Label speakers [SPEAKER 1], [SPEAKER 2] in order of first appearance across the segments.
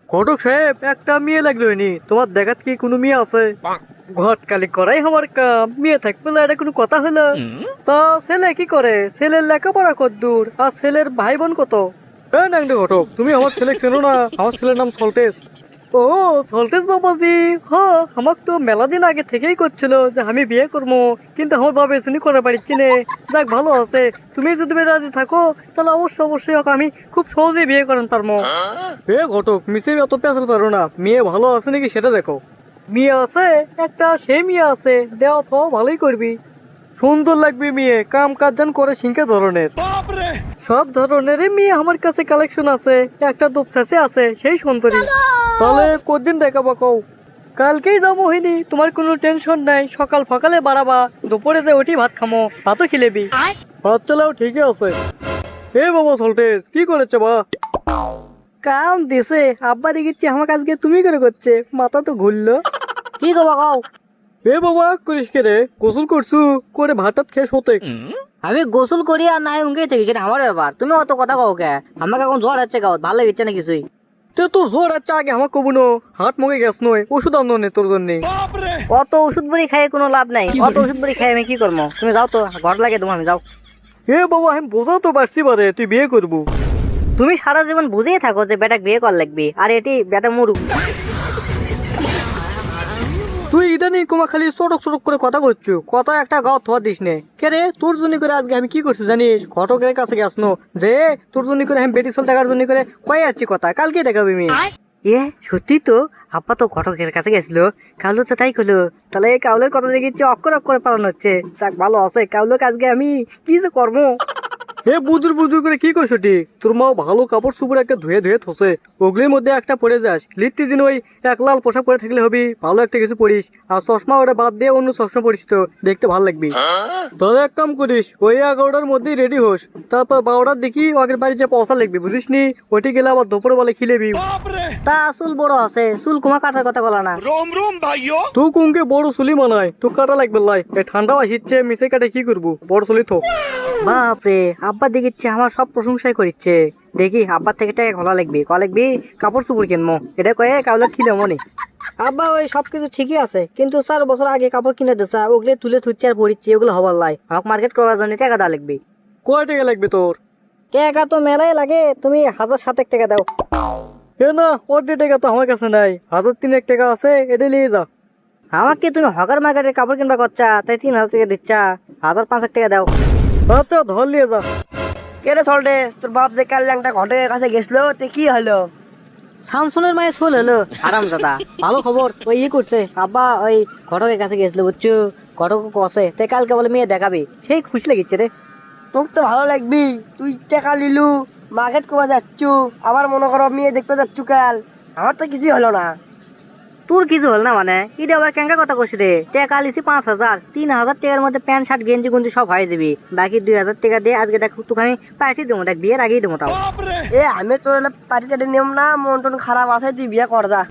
[SPEAKER 1] ঘটক সাহেব একটা মেয়ে লাগলো নি, তোমার দেখাত কি কোনো মেয়ে আছে? ঘটকালি করাই আমার কাম, মেয়ে থাকবে না এটা কোনো কথা হলো? তা ছেলে কি করে? ছেলের লেখাপড়া কত দূর, আর ছেলের ভাই বোন কত? নাংডে ঘটক, তুমি আমার ছেলে চেনো না? আমার ছেলের নাম সল্টেস। ও সল্টেস বাবাজি, হ আমাক তো মেলা দিন আগে থেকেই করছিল যে আমি বিয়ে করবো, কিন্তু আমার বাবা শুনি করে পারছি না। যাক ভালো আছে, তুমি যদি রাজি থাকো তাহলে অবশ্যই ওকে আমি খুব সহজেই বিয়ে করেন পারবো। এ ঘটক, মিশে অত পেঁচাল পারো না, মেয়ে ভালো আছে নাকি সেটা দেখো। মেয়ে আছে একটা, সে মেয়ে আছে, দেওয়া তো ভালোই করবি। সুন্দর লাগবে মেয়ে, কাম কাজ জান করে সিংকে ধরনের। সব ধরনেরই মেয়ে আমার কাছে কালেকশন আছে, একটা দুপসাসে আছে সেই সুন্দরী। তাহলে কদিন দেখাবো কও? কালকেই যাবো হইনি, তোমার কোনো টেনশন নাই। সকাল সকালে বাড়াবা, দুপুরে যে ওটি ভাত খামো, ভাতও খিলেবি। ভাত চালাও ঠিকই আছে। এ বাবা সল্টেস, কি করেছে বা? কাম দিছে আব্বা, দেখিচ্ছি আমাকে আজকে তুমি করে করছে, মাথা তো ঘুরলো।
[SPEAKER 2] কি করবো কও?
[SPEAKER 1] এ বাবা করিস কে রে? গোসল করছু করে ভাত টাত খেয়ে শোতে?
[SPEAKER 2] আমি গোসল করি আর নাই উঙ্গেই থেকে, সেটা আমার ব্যাপার। তুমি অত কথা কও কে? আমাকে এখন জ্বর হচ্ছে গাও, ভালো লাগছে না কিছুই।
[SPEAKER 1] তো তোর জ্বর আছে আগে আমার কবু নো, হাত মুখে গ্যাস নয়, ওষুধ আনো নে তোর জন্য।
[SPEAKER 2] অত ওষুধ বড়ি খাই কোনো লাভ নাই, অত ওষুধ বড়ি খাই আমি কি করবো? তুমি যাও তো, ঘর লাগে তোমার, আমি যাও।
[SPEAKER 1] এ বাবা আমি বোঝাও তো পারছি বারে, তুই বিয়ে করবো।
[SPEAKER 2] তুমি সারা জীবন বুঝেই থাকো যে বেটা বিয়ে কর লাগবে, আর এটি বেটা মুরু।
[SPEAKER 1] তুই ইদানিং কুমা খালি চটক চটক করে কথা করছো, কথা একটা গাও থোয়া দিস নে। কে রে তোর জন্য করে আজকে আমি কি করছি জানিস? ঘটকের কাছে গেছনো যে তোর জন্য করে আমি বেটি চল টাকার জন্য করে কয়ে যাচ্ছি কথা, কালকে দেখাবি আমি।
[SPEAKER 2] এ সত্যি তো, আব্বা তো ঘটকের কাছে গেছিল, কাউলো তো তাই করলো। তাহলে কাউলের কথা দেখিচ্ছি অক্ষর অক্ষরে পালন হচ্ছে। যাক ভালো আছে, কাউলোকে আজকে আমি কি যে করবো।
[SPEAKER 1] হে বুদুর বুদুর করে কি করছো টি? তোর মা ভালো কাপড় চুপড় একটা ধুয়ে ধুয়ে থসে, ওগুলির মধ্যে একটা পরে যাস। লিট্টি দিন ওই এক লাল পোশাক পরে থাকলে হবি, ভালো একটা কিছু পরিস। আর চশমা ওটা বাদ দিয়ে অন্য চশমা পরিস, তো দেখতে ভালো লাগবি। তাহলে এক কাম করিস, ওই 11টার মধ্যেই রেডি হোস, তারপর 12টার দেখি আগের বাড়ি যে পয়সা লাগবি, বুঝিস নি? ওটি গেলে আবার দুপুরে বলে খিলেবি।
[SPEAKER 2] তা চুল বড় আছে, চুল কুমা কাটার কথা বলা না।
[SPEAKER 1] তুই কুমকে বড় চুলি মানায়, তো কাটা লাগবে লাই। এই ঠান্ডাও আসিচ্ছে, মিশে কাটে কি করবো, বড় চুলি তো।
[SPEAKER 2] বাপরে, আব্বা দেখিচ্ছে আমার সব প্রশংসাই করিচ্ছে। দেখি আব্বার থেকে টাকা খোলা লাগবে, ক লাগবি কাপড় চুপড় কিনবো, এটা কয়ে কাউলা খিলে মনে। আব্বা ওই সবকিছু ঠিকই আছে, কিন্তু 4 বছর আগে কাপড় কিনে দিছা, ওগুলো তুলে থুচ্ছে আর পরিচ্ছি, ওগুলো হবার লাই। আমাকে মার্কেট করার জন্য টাকা দেওয়া লাগবে।
[SPEAKER 1] কয় টাকা লাগবে তোর?
[SPEAKER 2] টাকা তো মেলাই লাগে, তুমি 1007 টাকা দাও।
[SPEAKER 1] এ না, অর্ধেক টাকা তো আমার কাছে নাই, 1003 টাকা আছে, এটা নিয়ে যা।
[SPEAKER 2] আমাকে তুমি হকার মার্কেটে কাপড় কিনবা করছা, তাই 3000 টাকা দিচ্ছা, 1005 টাকা দাও।
[SPEAKER 1] আচ্ছা ধর নিয়ে যা।
[SPEAKER 2] কে রে সল্টে, তোর বাপ যে কাল একটা ঘটকের কাছে গেছিল, তে কি হলো? শামসুনের মায়ের সোল হলো, আরাম দাদা। ভালো খবর, ওই করছে আব্বা, ওই ঘটকের কাছে গেছিল বুঝছো। ঘটক কষে তে কালকে বলে মেয়ে দেখাবি, সেই খুশি লাগিচ্ছে রে। তোর তো ভালো লাগবি, তুই টাকা লিলু, মার্কেট করে যাচ্ছু, আবার মনে করো মেয়ে দেখতে যাচ্ছু কাল। আমার তো কিছুই হলো না। তোর কিছু হল না মানে? এটা আবার কেঙ্কা কথা কইছি রে? টাকা লিছি 5000, 3000 টাকার মধ্যে প্যান্ট শার্ট গেঞ্জি গুঞ্জি সব হয়ে যাবি। বাকি 2000 টাকা দিয়ে আজকে দেখ তোকে আমি পার্টি দেবো, দেখ বিয়ের আগেই দেবো তাও। এ আমি তোর পার্টি টাটি নিয়ম না, মন টন খারাপ আছে, তুই বিয়ে কর যা।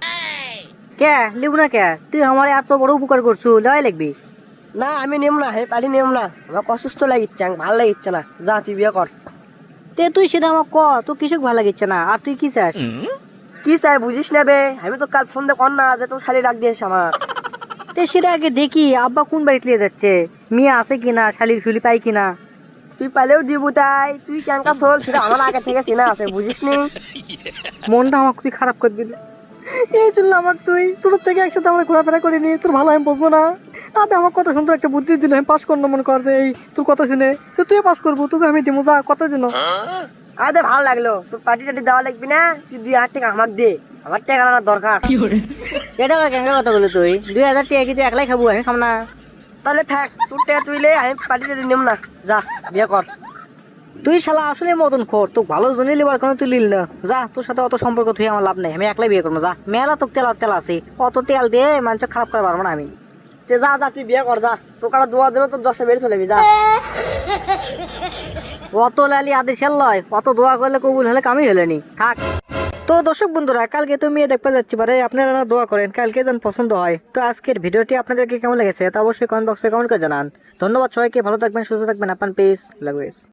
[SPEAKER 2] কে লিব না কে? তুই আমার এত বড় উপকার করছু, লয় লাগবি না? আমি নিয়ম না, হে পার্টি নিয়ম না, আমার অসুস্থ লাগিচ্ছে, ভালো লাগিচ্ছে না, যা তুই বিয়ে কর। তে তুই সেটা আমার ক, তোর কিছু ভালো লাগিচ্ছে না, আর তুই কি চাস? কি চাই বুঝিস না বে? আমি তো কাল ফোন দিয়ে কর না যে তোর শালি ডাক দিয়েছে আমার। তে সেটা আগে দেখি আব্বা কোন বাড়িতে নিয়ে যাচ্ছে, মেয়ে আছে কিনা, শালির ফুলি পাই কিনা। তুই পালেও দিব, তাই তুই কেনকা চল, সেটা আমার আগে থেকে চেনা আছে, বুঝিস নি? মনটা আমার খুবই খারাপ করে দিল। এই জন্য আমার তুই ছোট থেকে একসাথে আমরা ঘোরাফেরা করিনি, তোর ভালো আমি বুঝবো না। তাতে আমার কত সুন্দর একটা বুদ্ধি দিল, আমি পাস করবো মনে কর যে এই তোর কথা শুনে, তো তুই পাস করবো, তোকে আমি দিব, যা কত দিন। আরে ভালো লাগলো, তোর পার্টি টাটি দেওয়া লাগবি না, তুই 2000 টাকা আমাকে দে, আমার টাকা আনার দরকার। এটা কেন কথা বলি তুই? 2000 টাকা কি তুই একলাই খাবো, আমি খাম না? তাহলে থাক, তোর টাকা তুই লে, আমি পার্টি টাটি নেব না, যা বিয়ে কর। তুই শালা আসলে মতন খোর, তোকে ভালো জনে লিবার কোনো তুই লিল না, যা, তোর সাথে অত সম্পর্ক তুই আমার লাভ নেই, আমি একলাই বিয়ে করবো, যা। মেলা তোকে তেল আছে, অত তেল দিয়ে মানুষ খারাপ করে পারবো না আমি। যা যা তুই বিয়ে কর, যা, তোর কাটা দোয়া দেবো, তোর 10টা বেড়ে চলে যা। অত লালি আদেশের লয়, অত দোয়া করলে কবুল হলে কামই হলেনি, থাক। তো দর্শক বন্ধুরা, কালকে তো মেয়ে দেখতে যাচ্ছি পারে, আপনারা দোয়া করেন কালকে যেন পছন্দ হয়। তো আজকের ভিডিওটি আপনাদেরকে কেমন লেগেছে তা অবশ্যই কমেন্ট বক্সে কমেন্ট করে জানান। ধন্যবাদ সবাইকে, ভালো থাকবেন, সুস্থ থাকবেন, আপনার পেস লাগবে।